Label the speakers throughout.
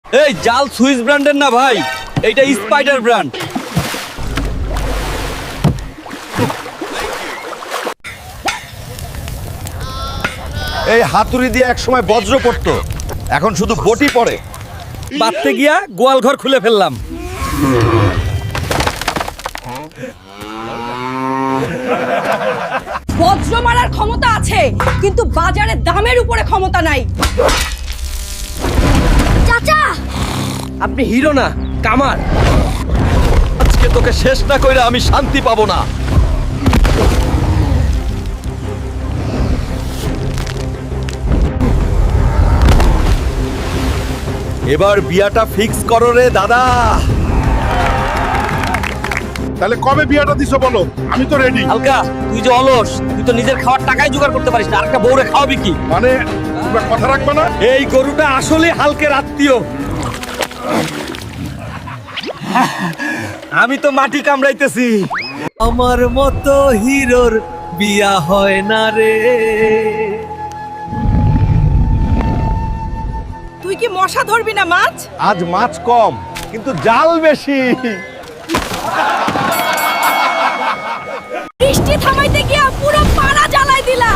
Speaker 1: এই জাল সুইস ব্র্যান্ডের না ভাই, এইটা স্পাইডার ব্র্যান্ড।
Speaker 2: এই হাতুড়ি দিয়ে একসময় বজ্র পড়তো, এখন শুধু বটি পড়ে।
Speaker 1: বাঁধতে গিয়া গোয়াল ঘর খুলে ফেললাম।
Speaker 3: বজ্র মারার ক্ষমতা আছে, কিন্তু বাজারে দামের উপরে ক্ষমতা নাই। চাচা,
Speaker 1: আপনি হিরো না, কামার। আজকে তোকে শেষ না কইরা আমি শান্তি পাবো না।
Speaker 2: এবার বিয়াটা ফিক্স করো রে দাদা।
Speaker 4: তাহলে কবে বিয়াটা দিছো বলো, আমি তো রেডি।
Speaker 1: হালকা, তুই যে অলস, তুই তো নিজের খাওয়ার টাকাই জোগাড় করতে পারিস না, আরেকটা বউরে খাওয়াবি কি?
Speaker 4: মানে তোমরা কথা রাখবে না?
Speaker 1: এই গরুটা আসলে হালকের আত্মীয়। আমি তো মাটি কামড়াইতেছি। আমার মতো হিরোর বিয়া হয় না রে।
Speaker 3: তুই কি মশা ধরবি না মাছ?
Speaker 2: আজ মাছ কম, কিন্তু জাল বেশি।
Speaker 3: বৃষ্টি থামাইতে গিয়া পুরো পাড়া জ্বালাই দিলা।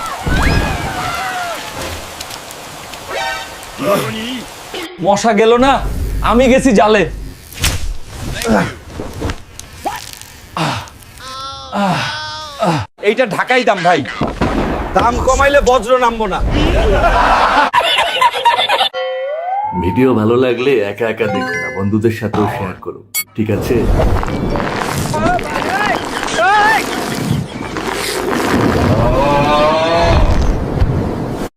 Speaker 1: মশা গেল না, আমি গেছি জালে। এইটা ঢাকাই দাম ভাই,
Speaker 2: দাম কমাইলে বজ্র নামবো না।
Speaker 5: ভিডিও ভালো লাগলে একা একা দেখো না, বন্ধুদের সাথেও শেয়ার করো, ঠিক আছে?